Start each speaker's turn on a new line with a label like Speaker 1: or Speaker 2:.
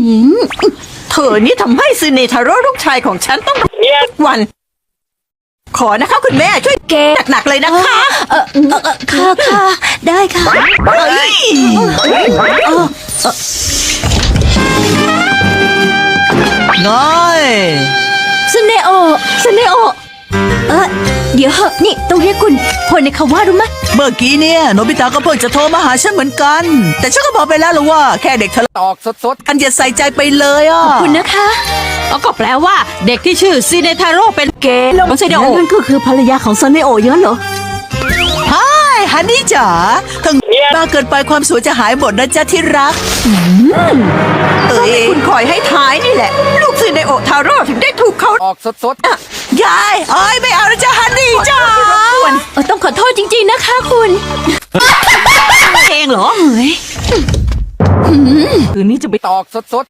Speaker 1: เธอนี่ทำให้ซึเนทาโร่ลูกชายของฉันต้องทุกวันขอนะคะคุณแม่ช่วยแกหนักๆเลยนะคะ
Speaker 2: ค่ะได้ค่ะ
Speaker 3: น้อย
Speaker 2: สเนโอเดี๋ยวเหอะนี่ต้องเรียกคุณคนในคาว่ารู้ไหม
Speaker 3: เมื่อกี้เนี่ยโนบิตะก็เพิ่งจะโทรมาหาฉันเหมือนกัน แต่ฉันก็บอกไปแล้วล่ะว่าแค่เด็กทะเลาะตอกสดๆกันอย่าใส่ใจไปเลยอ่ะ
Speaker 2: คุณนะคะ
Speaker 1: ก็แปลว่าเด็กที่ชื่อซิเนทาโร่เป็นเกย์ของซิเนโอ
Speaker 2: นั่นก็คือภรรยาของซเนโอเยอะเหรอ
Speaker 3: ฮายฮันนี่จ๋าถึงมากเกินไปความสวยจะหายหมดนะจ๊ะที่รัก
Speaker 1: คุณคอยให้ท้ายนี่แหละลูกซิเนโอทาโร่ถึงได้ถูกเขา
Speaker 3: ออกสดๆยายเอ้ยไม่เอานะจ๊ะฮันนี่จ๋า
Speaker 2: ต้องขอโทษจริงๆนะคะคุณ
Speaker 1: เองเหรอคืนนี้จะไป
Speaker 3: ตอกสด